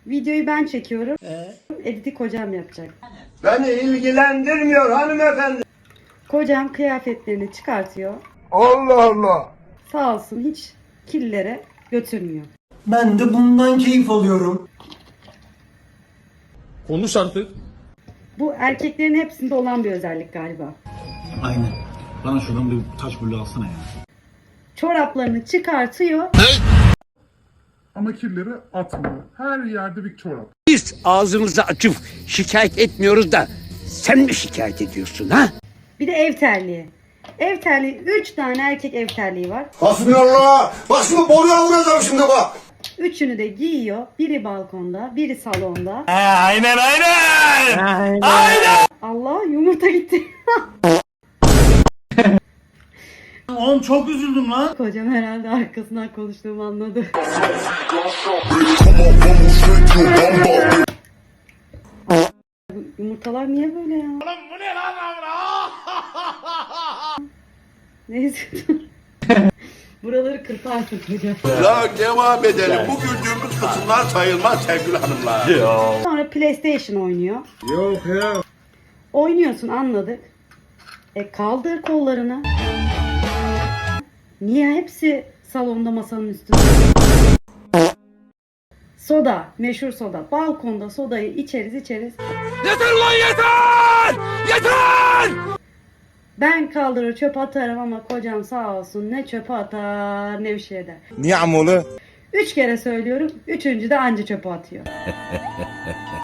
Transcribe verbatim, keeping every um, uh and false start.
Videoyu ben çekiyorum. Editi kocam yapacak. Beni ilgilendirmiyor hanımefendi. Kocam kıyafetlerini çıkartıyor. Allah Allah. Sağ olsun hiç kirlilere götürmüyor. Ben de bundan keyif alıyorum. Konuş artık. Bu erkeklerin hepsinde olan bir özellik galiba. Aynen. Bana şuradan bir taş bulu alsana ya. Çoraplarını çıkartıyor. Ama kirleri atmıyor. Her yerde bir çorap. Biz ağzımızı açıp şikayet etmiyoruz da sen mi şikayet ediyorsun ha? Bir de ev terliği. Ev terliği, üç tane erkek ev terliği var. Hasbinallah. Bak şimdi boruya vuracağım şimdi bak. Üçünü de giyiyor. Biri balkonda, biri salonda. Aynen aynen. Allah, yumurta gitti. Oğlum çok üzüldüm lan. Kocam herhalde arkasından konuştuğumu anladı. Bu yumurtalar niye böyle ya? Oğlum bu ne lan? Neyse. Buraları kırparsın kocam. Ya devam edelim. Bu güldüğümüz kısımlar sayılmaz sevgili hanımlar. Sonra PlayStation oynuyor. Yok ya. Oynuyorsun, anladık. E kaldır kollarını. Niye hepsi salonda masanın üstünde? Soda, meşhur soda. Balkonda sodayı içeriz içeriz. Yeter lan yeter! Yeter! Ben kaldırır çöp atarım ama kocam sağ olsun ne çöpe atar ne bir şey eder. Niye amolu? Üç kere söylüyorum, üçüncü de anca çöpe atıyor.